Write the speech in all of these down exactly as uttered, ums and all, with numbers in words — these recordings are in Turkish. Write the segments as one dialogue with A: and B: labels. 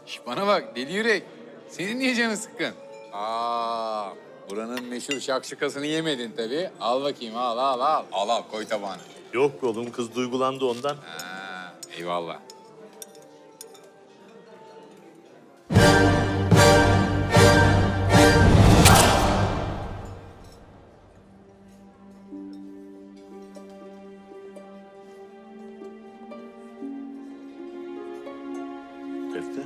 A: Şş, bana bak deli yürek. Senin niye canın sıkkın? Aa, buranın meşhur şakşukasını yemedin tabii. Al bakayım al al al. Al al koy tabağına.
B: Yok be oğlum, kız duygulandı ondan.
A: Ha, eyvallah.
B: Defne.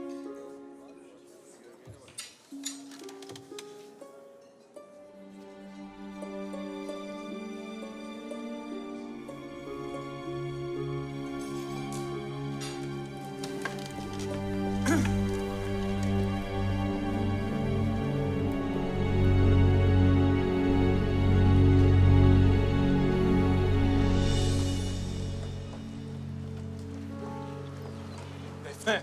C: Defne.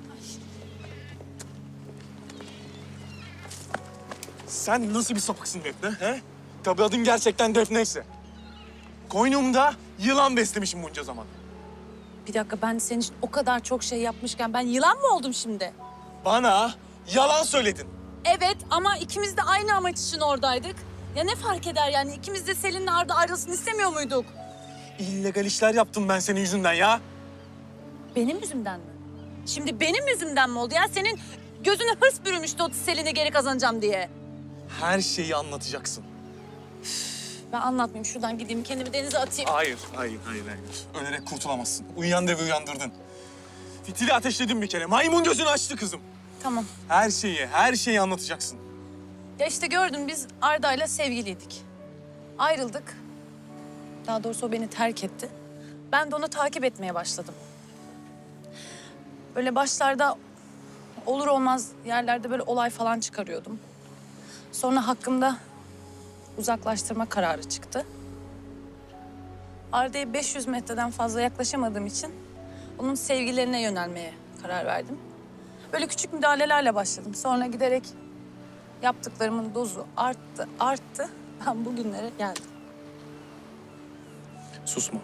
C: Sen nasıl bir sapıksın Defne? He? Tabii adın gerçekten Defne'yse. Koynumda yılan beslemişim bunca zaman.
D: Bir dakika, ben senin için o kadar çok şey yapmışken ben yılan mı oldum şimdi?
C: Bana yalan söyledin.
D: Evet ama ikimiz de aynı amaç için oradaydık. Ya ne fark eder yani? İkimiz de Selin'le Arda ayrılsın istemiyor muyduk?
C: İllegal işler yaptım ben senin yüzünden ya.
D: Benim yüzümden mi? Şimdi benim yüzümden mi oldu ya? Senin gözüne hırs bürümüştü o Selin'i geri kazanacağım diye.
C: Her şeyi anlatacaksın.
D: Ben anlatmayayım. Şuradan gideyim, kendimi denize atayım.
C: Hayır, hayır, hayır, hayır. Ölerek kurtulamazsın. Uyuyan devi uyandırdın. Fitili ateşledin bir kere. Maymun gözünü açtı kızım.
D: Tamam.
C: Her şeyi, her şeyi anlatacaksın.
D: Ya işte gördün, biz Arda'yla sevgiliydik. Ayrıldık. Daha doğrusu o beni terk etti. Ben de onu takip etmeye başladım. Böyle başlarda olur olmaz yerlerde böyle olay falan çıkarıyordum. Sonra hakkımda uzaklaştırma kararı çıktı. Arda'ya beş yüz metreden fazla yaklaşamadığım için onun sevgilerine yönelmeye karar verdim. Böyle küçük müdahalelerle başladım. Sonra giderek yaptıklarımın dozu arttı, arttı. Ben bugünlere geldim.
C: Susma.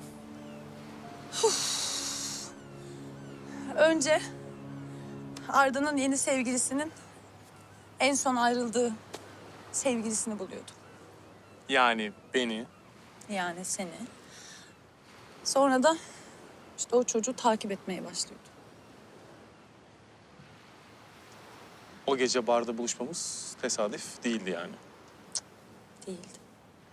D: Önce Arda'nın yeni sevgilisinin en son ayrıldığı sevgilisini buluyordum.
C: Yani beni.
D: Yani seni. Sonra da işte o çocuğu takip etmeye başlıyordu.
C: O gece barda buluşmamız tesadüf değildi yani.
D: Değildi.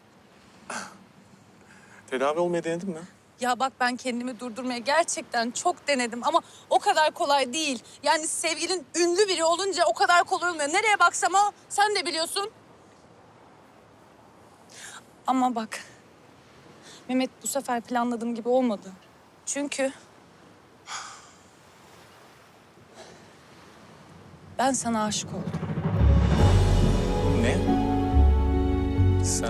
C: Tedavi olmaya denedin mi?
D: Ya bak, ben kendimi durdurmaya gerçekten çok denedim ama o kadar kolay değil. Yani sevgilin ünlü biri olunca o kadar kolay olmuyor. Nereye baksam o, sen de biliyorsun. Ama bak, Mehmet, bu sefer planladığım gibi olmadı. Çünkü ben sana aşık oldum.
C: Ne? Sen...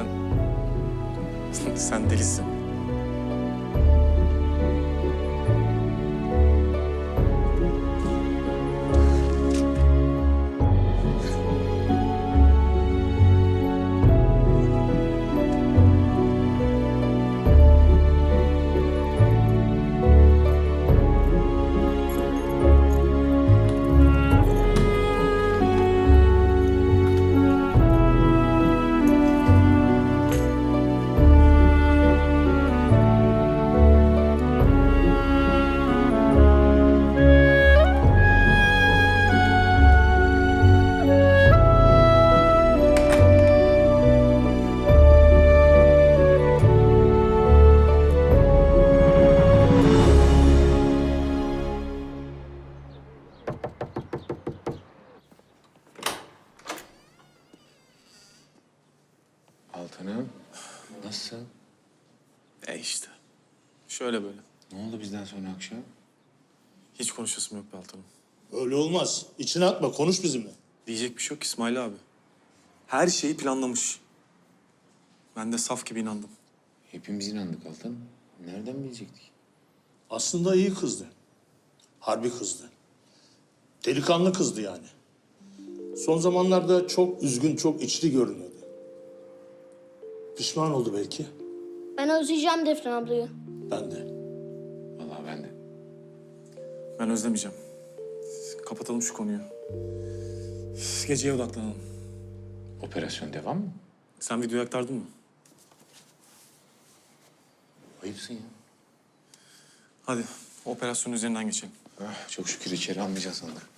C: Sen delisin.
A: Altanım, nasılsın?
C: E işte. Şöyle böyle.
A: Ne oldu bizden sonra akşam?
C: Hiç konuşasım yok be Altanım.
E: Öyle olmaz. İçine atma, konuş bizimle.
C: Diyecek bir şey yok İsmail abi. Her şeyi planlamış. Ben de saf gibi inandım.
A: Hepimiz inandık Altan. Nereden bilecektik?
E: Aslında iyi kızdı. Harbi kızdı. Delikanlı kızdı yani. Son zamanlarda çok üzgün, çok içli görünüyordu. Pişman oldu belki.
F: Ben özleyeceğim Defne ablayı.
E: Ben de.
A: Vallahi ben de.
C: Ben özlemeyeceğim. Kapatalım şu konuyu. Geceye odaklanalım.
A: Operasyon devam mı?
C: Sen videoyu aktardın mı?
A: Ayıpsın ya.
C: Hadi operasyonun üzerinden geçelim.
A: Ah, çok şükür içeri almayacağız sandık.